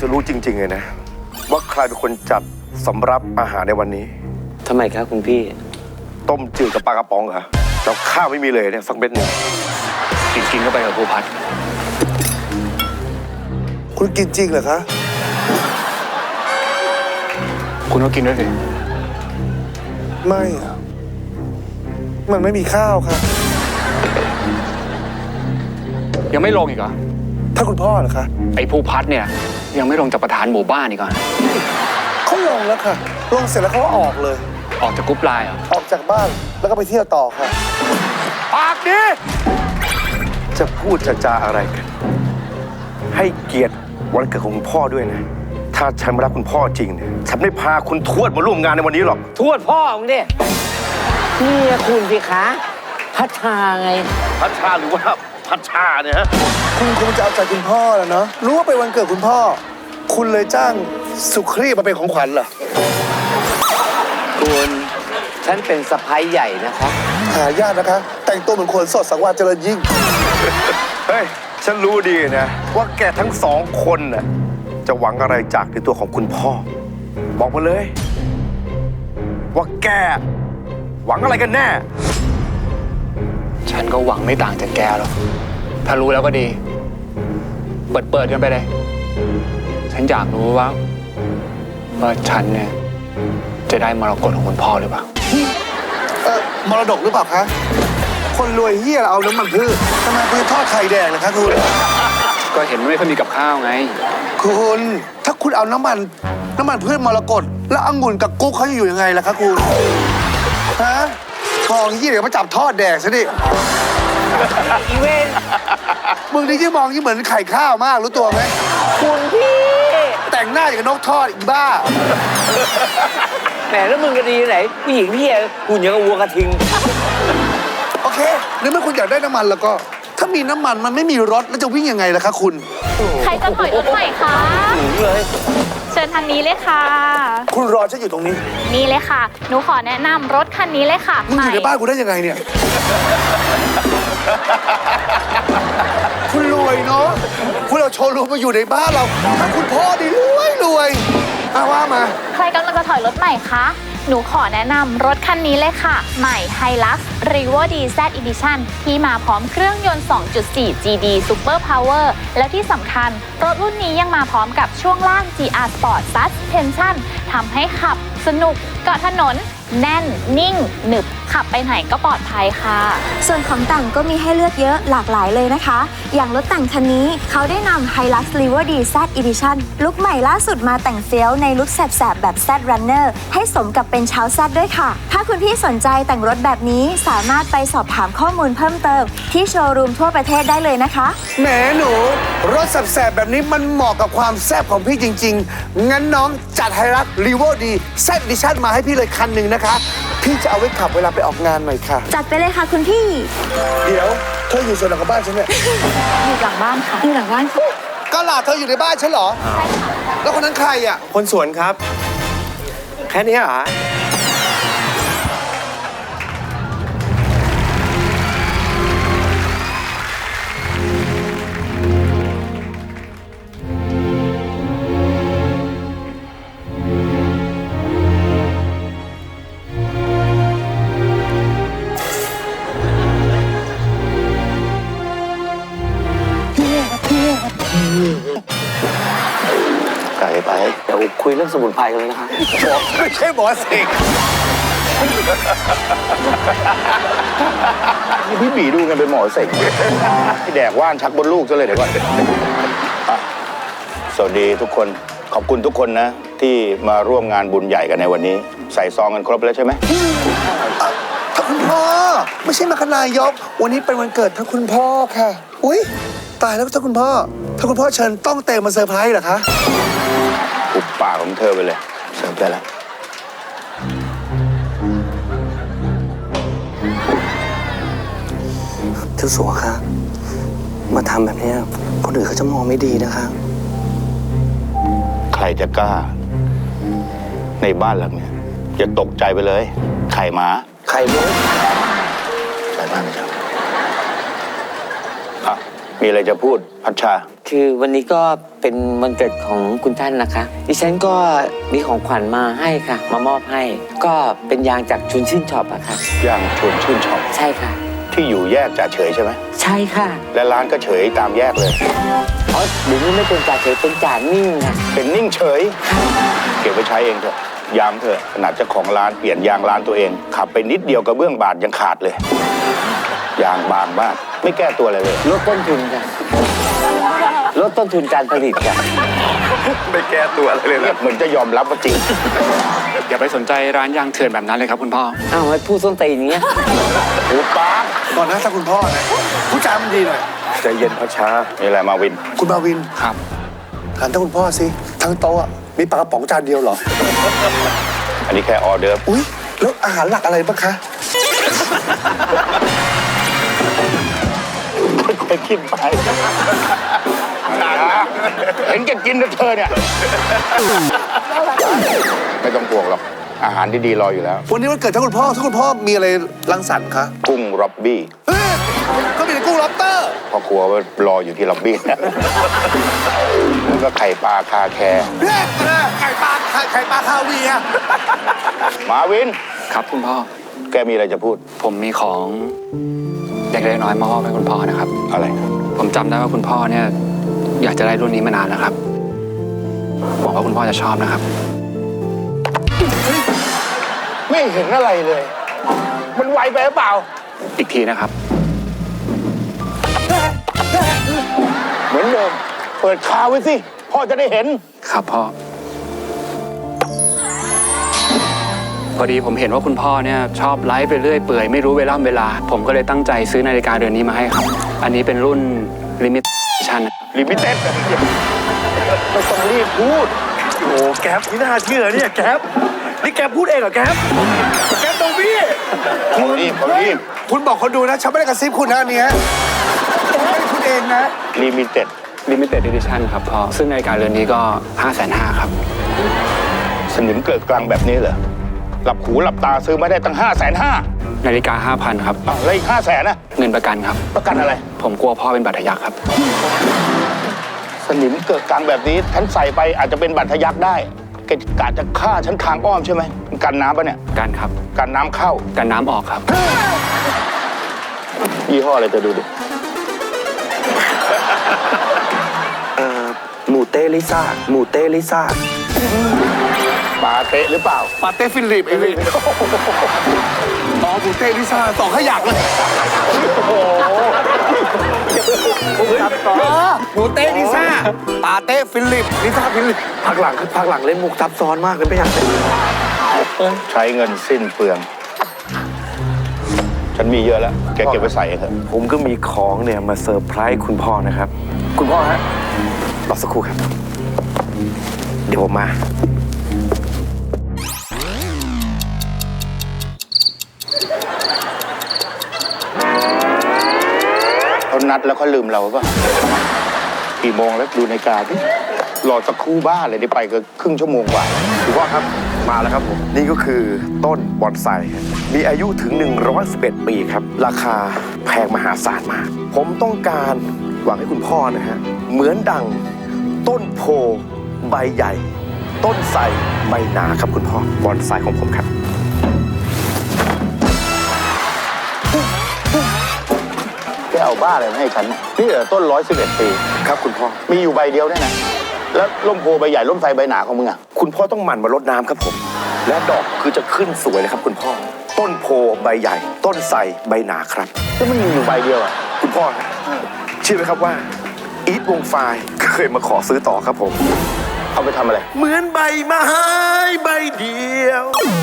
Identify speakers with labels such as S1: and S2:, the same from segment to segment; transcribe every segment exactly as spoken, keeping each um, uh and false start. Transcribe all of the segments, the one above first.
S1: รู้จริงๆเลยนะว่าใครเป็นคนจัดสำรับอาหารในวันนี้
S2: ทำไมครับคุณพี่
S1: ต้มจืดกับปลากระป๋องเหรอแล้วข้าวไม่มีเลยเนี่ยสักเม็ดหนึ่ง
S3: กินกินเข้าไปกับภูพัฒน์
S4: คุณกินจริงเหรอคะ
S3: คุณก็กินด้วยสิ
S4: ไม่อะมันไม่มีข้าวค่ะ
S3: ยังไม่ลงอีกเหรอ
S4: ถ้าคุณพ่อเหรอคะ
S3: ไอ้ภูพัฒน์เนี่ยยังไม่ลงจากประธานหมู่บ้านอีกเหรอ
S4: เขาลงแล้วค่ะลงเสร็จแล้วเขาก็ออกเลย
S3: ออกจากกรุ๊ปไลน์เหรอ
S4: ออกจากบ้านแล้วก็ไปเที่ยวต่อค่ะ
S1: ปากดีจะพูดจะจาอะไรกันให้เกียรติวันเกิดของคุณพ่อด้วยนะถ้าฉันไม่รักคุณพ่อจริงเนี่ยฉันไม่พาคุณทวดมาร่วมงานในวันนี้หรอก
S2: ทวดพ่อมึงดินี่คุณสิคะพัชชาไง
S1: พัชชาหรือว่าพัชชาเนี่ยฮะ
S4: คุณคงจะเอาใจคุณพ่อแล้วเนาะรู้ว่าเป็นวันเกิดคุณพ่อคุณเลยจ้างสุครีมาเป็นของขวัญเหรอ
S2: คุณฉันเป็นสะใภ้ใหญ่นะคะ
S4: หายากนะคะแต่งตัวเหมือนคนสดสังวาสเจริญยิ่ง
S1: เฮ้ยฉันรู้ดีนะว่าแกทั้งสองคนน่ะจะหวังอะไรจากในตัวของคุณพ่อบอกมาเลยว่าแกหวังอะไรกันแน่
S3: ฉันก็หวังไม่ต่างจากแกหรอกถ้ารู้แล้วก็ดีเปิดเปิดกันไปเลยฉันอยากรู้ว่าว่าฉันเนี่ยจะได้มรกตของคุณพ่อหรือเปล่า
S4: เออมรดกหรือเปล่าคะคนรวยเฮียเอาน้ำมันพืชทำไมพืชทอดไข่แดงนะคะคุณ
S3: ก็เห็นไม่ค่อยมีกับข้าวไง
S4: คุณถ้าคุณเอาน้ำมันน้ำมันพืชมรกตแล้วองุ่นกับกุ๊กเขาจะอยู่ยังไงล่ะคะคุณฮะทองยี่เดี๋ยวมาจับทอดแดกซะดิ
S2: อีเวน
S4: มึงนี่ยิ่งมองยิ่งเหมือนไข่ข้าวมากรู้ตัวไหม
S2: คุณพี่
S4: แต่งหน้าอย่างนกทอดอีกบ้า
S2: แหมแล้วมึงก็ดีไหนผู้หญิงพี่หุ่นยังกับวัวกระทิง
S4: โอเคนึกว่าคุณอยากได้น้ำมันแล้วก็ถ้ามีน้ำมันมันไม่มีรถแล้วจะวิ่งยังไงล่ะคะคุณ
S5: ใครจะถอยรถใหม่คะเลยเชิญทางนี้เลยค่ะ
S4: คุณรอฉันอยู่ตรงนี้
S5: นี่เลยค่ะหนูขอแนะนำรถคันนี้เลยค่ะ
S4: มึงอยู่ในบ้านกูได้ยังไงเนี่ยคุณรวยเนาะคุณเอาโชว์รูมมาอยู่ในบ้านเราถ้าคุณพ่อดีรวยรวยอาว่ามา
S5: ใครกำลังจะถอยรถใหม่คะหนูขอแนะนำรถคันนี้เลยค่ะใหม่ Hilux Revo ดี แซด Edition ที่มาพร้อมเครื่องยนต์ สองจุดสี่ จี ดี Super Power แล้วที่สำคัญรถรุ่นนี้ยังมาพร้อมกับช่วงล่าง จี อาร์ Sport Suspension ทำให้ขับสนุกเกาะถนนแน่นนิ่งหนึบขับไปไหนก็ปลอดภัยค่ะ
S6: ส่วนของแต่งก็มีให้เลือกเยอะหลากหลายเลยนะคะอย่างรถแต่งคันนี้เขาได้นำ Hilux Revo ดี แซด Edition ลุคใหม่ล่าสุดมาแต่งเฟี้ยวในลุคแสบๆแบบ Z Runner ให้สมกับเป็นชาวแซดด้วยค่ะถ้าคุณพี่สนใจแต่งรถแบบนี้สามารถไปสอบถามข้อมูลเพิ่มเติมที่โชว์รูมทั่วประเทศได้เลยนะคะ
S4: แหมหนูรถแสบๆแบบนี้มันเหมาะกับความแซ่บของพี่จริงๆงั้นน้องจัด Hilux Revo ดี แซด Edition มาให้พี่เลยคันหนึ่งนะคะพี่จะเอาไว้ขับเวลาไปออกงานหน่อยค่ะ
S6: จัดไปเลยค่ะคุณพี่
S4: เดี๋ยวเธออยู่ส่วนหลังของบ้านฉันเนี่ย
S5: อยู่หลังบ้านค่ะอยู่หลังบ้านค่ะ
S4: ก็หลาเธออยู่ในบ้านฉันเหรอใช่ค่ะแล้วคนนั้นใครอ่ะ
S2: คนสวนครับแค่นี้เหรอ
S1: ไกลไป
S2: เดี๋ยวคุยเรื่องสมุนไพรกันเลยนะคะ
S4: บอกไม่ใช่หมอเสก
S1: นี่พี่บีดูกันเป็นหมอเสกที่แดกว่านชักบนลูกซะเลยเดี๋ยวก่อนสวัสดีทุกคนขอบคุณทุกคนนะที่มาร่วมงานบุญใหญ่กันในวันนี้ใส่ซองกันครบแล้วใช่ไหม
S4: ท่านคุณพ่อไม่ใช่มาคณายกวันนี้เป็นวันเกิดท่านคุณพ่อค่ะอุ้ยตายแล้วท่านคุณพ่อท่านคุณพ่อเชิญต้องเตะมาเซอร์ไพรส์เหรอคะ
S1: ปุบปากของเธอไปเลยเสิร์ฟได้แล้ว
S2: เจ้าสัวครับมาทำแบบนี้คนอื่นเขาจะมองไม่ดีนะคะ
S1: ใครจะกล้าในบ้านหลังนี้อย่าตกใจไปเลยไข่หมา
S2: ไข่มุก
S1: ไข่บ้านไม่ใช่อ่ะมีอะไรจะพูดพัชชา
S2: คือวันนี้ก็เป็นวันเกิดของคุณท่านนะคะ ดิฉันก็มีของขวัญมาให้ค่ะ มามอบให้ ก็เป็นยางจากชุนชื่นช็อปอะค่ะ
S7: ย่างชวนชื่นชอบ
S2: ใช่ค่ะ
S7: ที่อยู่แยกจ่าเฉยใช่ไหม
S2: ใช่ค่ะ
S7: และร้านก็เฉยตามแยกเลย
S2: อ๋อเดี๋ยวนี้ไม่เป็นจ่าเฉยเป็นจ่านิ่งค่ะ
S7: เป็นนิ่งเฉย เก็บไว้ใช้เองเถอะยามเถอะขนาดเจ้าของร้านเปลี่ยนยางร้านตัวเอง ขับไปนิดเดียวกระเบื้องบาดยังขาดเลยยางบางมากไม่แก้ตัวอะไรเลย
S2: ลดต้นทุนค่ะ ลดต้นทุนการผลิตค่ะ
S1: ไม่แก้ตัวอะไรเลย
S7: เรีย
S1: นะ
S7: กเหมือนจะยอมรับว่าจริง
S3: อย่าไปสนใจร้านยางเถื่อนแบบนั้นเลยครับคุณพ่อ
S2: อ้าวไอ้พูดส้นตีนอย่างเงี้ย
S7: หูป้า
S4: ก่อนนะถ้าคุณพ่อนะผู้จามันดีหน่อย
S1: ใจเย็นพช้า
S7: นี่แหละมาวิน
S4: คุณมาวิน
S3: ครับ
S4: ถามท่านคุณพ่อสิทั้งโต๊ะอะมีปลากระป๋องจานเดียวเหรอ
S7: อันนี้แค่ออเดิร์ฟ
S4: อุ้ยแล้วอาหารหลักอะไรบ้างคะ
S7: ค่อยๆคิดไปเห็นแกกินนะเธอเนี่ยไม่ต้องห่วงหรอกอาหารดีๆรออยู่แล้ว
S4: วันนี้วันเกิดท่านคุณพ่อท่านคุณพ่อมีอะไรรังสรรค์คะ
S7: กุ้งร็อบบี้
S4: เฮ้ยก็มีแต่กุ้งล็อบสเตอร์
S7: พ่อครัวว่ารออยู่ที่ล็อบบี้นะแล้วก็ไข่ปลาคาแคร์
S4: เฮ้ยไข่ปลาไข่ไข่ปลาคาเวียร์
S7: มาวิน
S3: ครับคุณพ่อ
S7: แกมีอะไรจะพูด
S3: ผมมีของเล็กๆน้อยๆมามอบให้คุณพ่อนะครับ
S7: อะไร
S3: ผมจำได้ว่าคุณพ่อเนี่ยอยากจะได้รุ่นนี้มานานแล้วครับหวังว่าคุณพ่อจะชอบนะครับ
S7: ไม่เห็นอะไรเลย มันไวไปหรือเปล่า
S3: อีกทีนะครับ
S7: เหมือนเดิม เปิดคาไว้สิ พ่อจะได้เห็น
S3: ครับพ่อ พอดีผมเห็นว่าคุณพ่อเนี่ยชอบไลฟ์ไปเรื่อยเปื่อยไม่รู้เวลาเวลา ผมก็เลยตั้งใจซื้อนาฬิกาเรือนนี้มาให้ครับ อันนี้เป็นรุ่น Limited Edition
S7: ลิมิเต็ดไม่ต้องรีบพูด
S1: โอ้แก๊ปนี่น่าเชื่อเนี่ยแก๊ปนี่แก๊ปพูดเองเหรอแก๊ปแก๊ปตรงพี่
S7: เขารีบเขารีบ
S4: คุณบอกคนดูนะฉันไม่ได้กระซิบคุณนะอันเนี้ยไม่ได้พูดเองนะ
S7: ลิมิเต็ด
S3: Limited Edition ครับพ่อ ซึ่งนาฬิกาเรือนนี้ก็ ห้าแสนห้าหมื่น ครับ
S7: สนิมเกิดกลางแบบนี้เหรอ หลับหูหลับตาซื้อมาได้ตั้งห้าแสนห้า
S3: นาฬิกา ห้าพัน ครับ
S7: อ้าวแล้วอีกห้าแสนนะ
S3: เงินประกันครับ
S7: ประกันอะไร
S3: ผมกลัวพ่อเป็นบาดทะยักครับ
S7: สนิมเกิดกลางแบบนี้ฉันใส่ไปอาจจะเป็นบัตรทะยักได้แกกะจะฆ่าฉันทางอ้อมใช่ไหมมันกันน้ำปะเนี่ย
S3: กันครับ
S7: กันน้ำเข้า
S3: กันน้ำออกครับ
S7: ยี่ห้ออะไรจะดูดิ
S1: เอ่อหมูเต้ลิซ่าหมูเต้ลิซ่า
S7: ปาเตะหรือเปล่า
S4: ปาเต้ฟิลิปเองอ๋อบูเต้ลิซ่าสองขยักเลยหมูเต้ลิซ่าปาเต้ฟิลิปลิซ่าฟิลิป
S1: พักหลังคือพักหลังเล่นมุกซับซ้อนมากเลยไม่อยากเล่น
S7: ใช้เงินสิ้นเปลือง ฉันมีเยอะแล้ว แกเก็บไว้ใส่เองเถอะ
S1: ผมก็มีของเนี่ยมาเซอร์ไพรส์คุณพ่อนะครับ คุณพ่อฮะรอสักครู่ครับ เดี๋ยวผมมา
S7: เขานัดแล้วเขาลืมเราป่ะกี่โมงแล้วดูในาฬิกาดิรอสักครู่บ้าเลยได้ไปก็ครึ่งชั่วโมงกว่า
S1: คุณพ่อครับมาแล้วครับผม นี่ก็คือต้นบอนไซครับมีอายุถึง หนึ่งร้อยสิบเอ็ด ปีครับ ราคาแพงมหาศาลมาก ผมต้องการหวังให้คุณพ่อนะฮะ เหมือนดังต้นโพใบใหญ่ ต้นไทรใบหนาครับคุณพ่อบอนไซของผมครับ
S7: แกเอาบ้าอะไรมาให้ฉัน นี่เหรอต้นร้อยสิบเอ็ดปี
S1: ครับคุณพ่อ
S7: มีอยู่ใบเดียวเนี่ยนะ แล้วร่มโพใบใหญ่ร่มไทรใบหนาของมึงอะ
S1: คุณพ่อต้องหมั่นมารดน้ำครับผม และดอกคือจะขึ้นสวยเลยครับคุณพ่อ ต้นโพใบใหญ่ ต้นไทรใบหนาครับ
S7: แล้วมันมีอยู่ใบเดียวอะ
S1: คุณพ่อครับเชื่อไหมครับว่า อีทวงไฟล์เคยมาขอซื้อต่อครับผม
S7: เอาไปทำอะไร
S1: เหมือนใบไม้ใบเดียว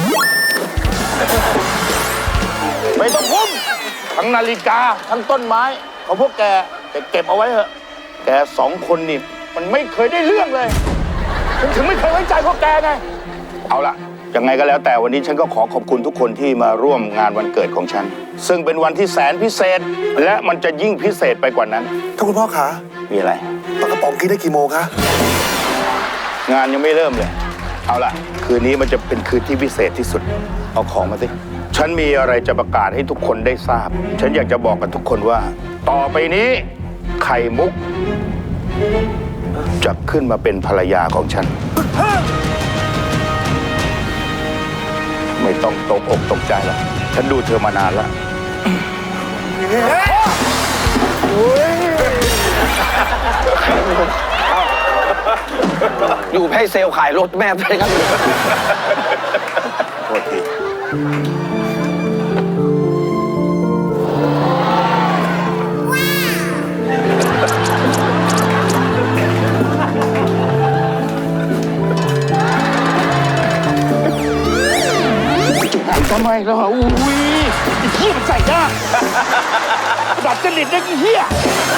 S7: ไม่ต้องพุ่มทั้งนาฬิกา ทั้งต้นไม้ของพวกแกแต่เก็บเอาไว้เถอะ แกสองคนนี่มันไม่เคยได้เรื่องเลยฉันถึงไม่เคยไว้ใจพวกแกไง เอาละยังไงก็แล้วแต่วันนี้ฉันก็ขอขอบคุณทุกคนที่มาร่วมงานวันเกิดของฉัน ซึ่งเป็นวันที่แสนพิเศษ และมันจะยิ่งพิเศษไปกว่านั้น
S4: ท่านคุณพ่อคะ
S7: มีอะไร
S4: ปลากระป๋องกินได้กี่โมงคะ
S7: งานยังไม่เริ่มเลย เอาล่ะ คืนนี้มันจะเป็นคืนที่พิเศษที่สุด เอาของมาสิ ฉันมีอะไรจะประกาศให้ทุกคนได้ทราบ ฉันอยากจะบอกกับทุกคนว่า ต่อไปนี้ ไข่มุกจะขึ้นมาเป็นภรรยาของฉัน ไม่ต้องตกอกตกใจแล้วฉันดูเธอมานานแล้ว
S2: อยู่ให้เซลล์ขายรถแม่ไปครับ
S7: โทษที ทำไมล่ะอุ้ยไอ้เหี้ยมันใส่หน้าดัดจริตนะไอ้เหี้ย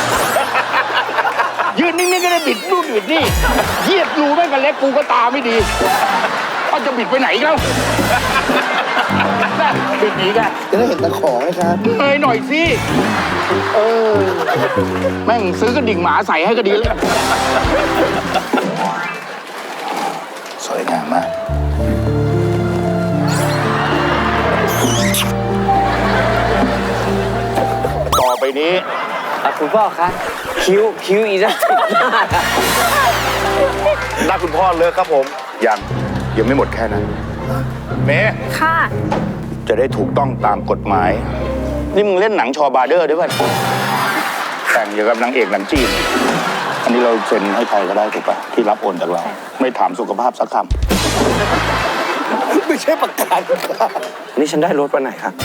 S7: ยืนนิ่งๆก็ได้บิดนู่นบิดนี่เหี้ยรูแม่งกันเล็กกูก็ตาไม่ดีเขาจะบิดไปไหนอีกแล้วบิดหนีกัน
S4: จะได้เห็นตะขอไหมครับ
S7: เอ้ยหน่อยสิเออแม่งซื้อกระดิ่งหมาใส่ให้ก็ดีแล้วสวยงามมากต่อไปนี้
S2: คุณพ่อคะคิ้วคิ้วอีกแล้ว
S1: หน้าคุณพ่อเลยครับผม
S7: ยังยังไม่หมดแค่นั้นเมย์
S5: ค่ะ
S7: จะได้ถูกต้องตามกฎหมาย นี่มึงเล่นหนังชอบาร์เดอร์ด้วยป่ะแต่งอย่างกับนางเอกหนังจีน อันนี้เราเซ็นให้ใครก็ได้ถูกป่ะที่รับโอนจากเรา ไม่ถามสุขภาพสักค
S4: ไม่ใช่ประกัน
S2: นี่ฉันได้รถวันไหนครับ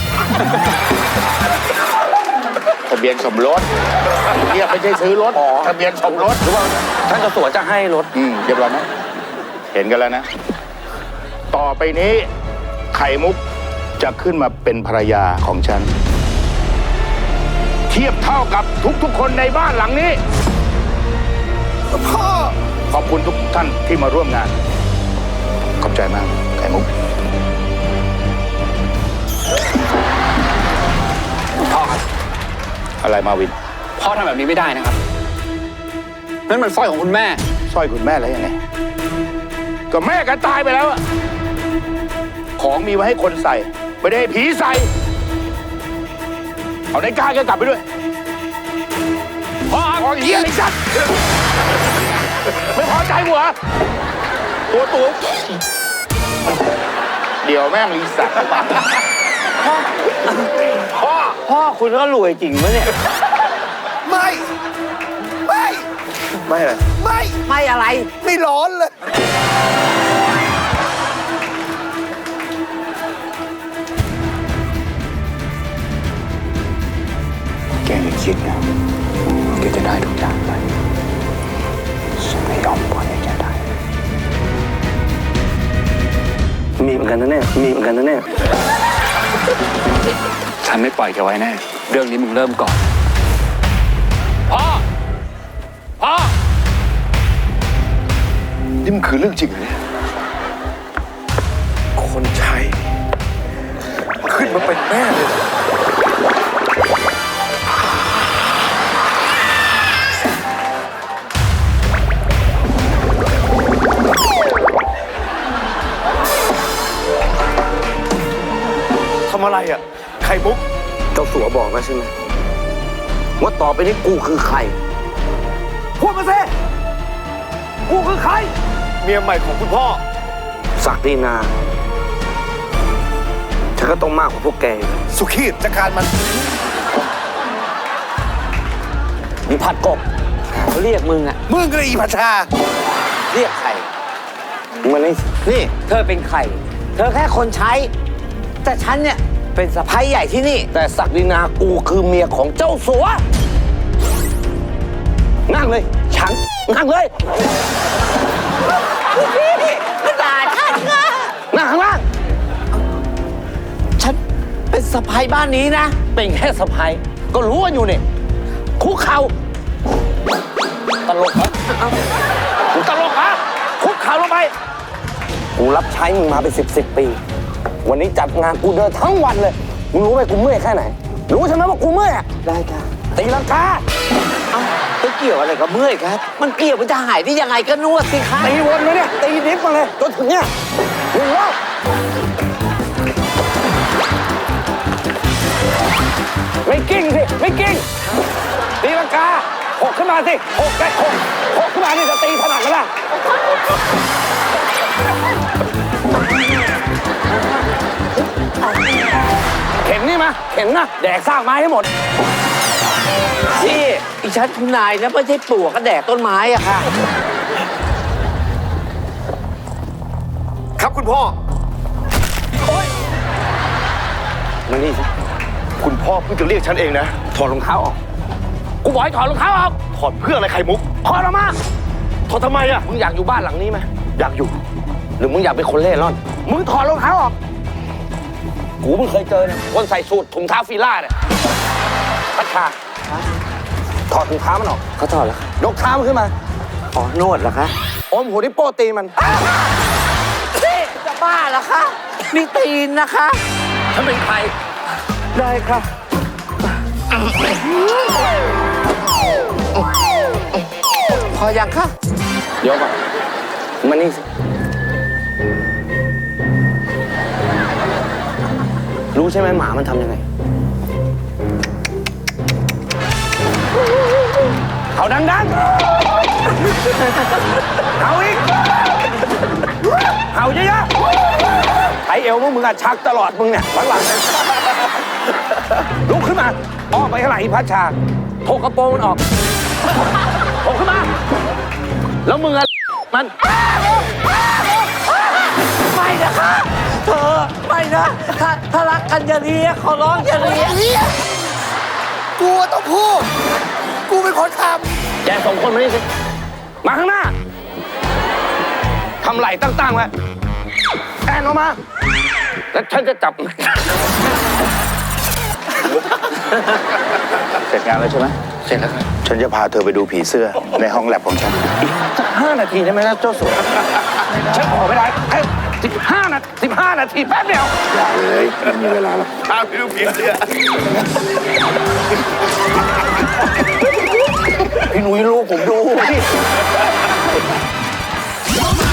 S7: ำทะเบียนสมรสเนี่ยไม่ใช่ซื้อรถทะเบียนสมรส
S2: ท่านกระสวจะให้รถ
S7: อืมเรียบร้อยไหมเห็นกันแล้วนะ ต่อไปนี้ไข่มุกจะขึ้นมาเป็นภรรยาของฉัน เทียบเท่ากับทุกๆคนในบ้านหลังนี้
S4: พ่อ
S7: ขอบคุณทุกท่านที่มาร่วมงาน ขอบใจมากไข่มุก
S3: พ่อครับ
S7: อะไรมาวิน
S3: พ่อทำแบบนี้ไม่ได้นะครับนั่นมันสร้อยของคุณแม่
S7: สร้อยคุณแม่แล้วยังไง ก็แม่กันตายไปแล้วอะของมีไว้ให้คนใส่ ไม่ได้ให้ผีใส่ เอาได้กล้าแกกลับไปด้วยพ่อพ่อเหี้ยไอ้สัตว์ไม่พอใจหัวตัวตัวเดี๋ยวแม่งรีสัตว์พ่อ
S2: พ่อคุณก็รวยจริงปะเนี่ย
S4: ไม่ ไม่
S1: ไม่เลย
S4: ไม่
S2: ไม่อะไร
S4: ไม่ร้อนเลย
S7: แกอย่าคิดนะแกจะได้ทุกอย่างไปฉันไม่ยอมปล่อยให้แกได้
S2: มีเหมือนกันนะเนี่ย มีเหมือนกันนะเนี่ย
S3: ฉันไม่ปล่อยแกไว้แน่ เรื่องนี้มึงเริ่มก่อน พ่อ พ่อ
S1: นี่มันคือเรื่องจริงเหรอเนี่ยคนใช้ขึ้นมาเป็นแม่เลยเหรอทำอะไรอ่ะ ไข่มุก
S2: เจ้าสัวบอกแล้วใช่ไหมว่าต่อไปนี้กูคือใคร พูดมาสิกูคือใคร
S1: เมียใหม่ของคุณพ่อ
S2: ศักดินาฉันก็ต้องมากกว่าพวกแก
S4: สุขีดจัดการมัน
S2: มีผัดกบเขาเรียกมึงอะ
S4: มึงก็เลยอีพัชชา
S2: เรียกใครมึงมานี่นี่ เธอเป็นใคร เธอแค่คนใช้ แต่ฉันเนี่ยเป็นสะพ้ายใหญ่ที่นี่ แต่ศักดินากูคือเมียของเจ้าสัว นั่งเลย ฉัน นั่งเลยพี่มาด่าฉันนะนั่งข้างล่าง ฉันเป็นสะพ้ายบ้านนี้นะ เป็นแค่สะพ้ายก็รู้กันอยู่นี่คุกเข่าตลกเหรอมึงตลกเหรอคุกเข่าลงไป กูรับใช้มึงมาเป็นสิบสิบปี วันนี้จัดงานกูเดินทั้งวันเลย มึงรู้ไหมกูเมื่อยแค่ไหน รู้ใช่ไหมว่ากูเมื่อยอะได้ค่ะตีลังกาเอ้าไปเกี่ยวอะไรกับเมื่อยครับ มันเกี่ยวมันจะหายได้ยังไงก็นวดสิคะตีวนเลยเนี่ย ตีดิฟมาเลยจนถึงเนี่ยหนึ่งรอบไม่กิ้งสิ ไม่กิ้งตีลังกาหกขึ้นมาสิหกแกหกหกขึ้นมานี่จะตีถนัดกันล่ะเข็นนี่มาเข็นนะแดกซากไม้ให้หมดพี่อีฉันคุณนายนะไม่ใช่ปลวกก็แดกต้นไม้อะค่ะ
S1: ครับคุณพ่อมานี่สิคุณพ่อเพิ่งจะเรียกฉันเองนะ
S2: ถอดรองเท้าออกกูบอกให้ถอดรองเท้าออก
S1: ถอดเพื่ออะไรไข่มุก
S2: ถอดออกมา
S1: ถอดทำไมอะ
S2: มึงอยากอยู่บ้านหลังนี้ไหม
S1: อยากอยู่
S2: หรือมึงอยากเป็นคนเล่ร่อนมึงถอดรองเท้าออกกูเพิ่งเคยเจอเนี่ยคนใส่สูทถุงเท้าฟีล่าเนี่ยพัชชาถอดถุงเท้ามันออกเขาถอดแล้วยกเท้ามันขึ้นมาอ๋อนวดเหรอคะอมหัวนิ้วโป้ตีมันนี่จะบ้าเหรอคะนี่ตีนนะคะฉันเป็นใครได้ค่ะพอยังคะเดี๋ยวก่อนมานี่สิรู้ใช่ไหมหมามันทำยังไงเขาดังๆเอาอีกเอาเยอะๆไถเอวมึงอะชักตลอดมึงเนี่ยหลังๆลุกขึ้นมาออกไปข้างหลังอีพัชชาโถกกระโปรงมันออกโถขึ้นมาแล้วมึงอะมันไม่นะคะเธอไม่นะถ้าถ้ารักกันอย่าเรียกขอร้องอย่าเรียก
S4: กูต้องพูด กูเป็นคนท
S2: แกสองคนมานี่สิมาข้างหน้าทำไหล่ตั้งๆไว้แอนออกมาแล้วฉันจะจับ
S7: เสร็จงานแล้วใช่ไหม
S2: เสร็จแล้วครับ
S7: ฉันจะพาเธอไปดูผีเสื้อในห้องแลบของฉัน
S2: สักห้านาทีได้ไหมนะเจ้าสัวฉันขอไม่ได้แค่สิบห้านาทีสิบห้านาทีแป๊บเดียว
S7: เลยไม่มีเวลาหรอก
S1: พาไปดูผีเสื้อ
S2: พี่หนุ่ยรู้ผมดู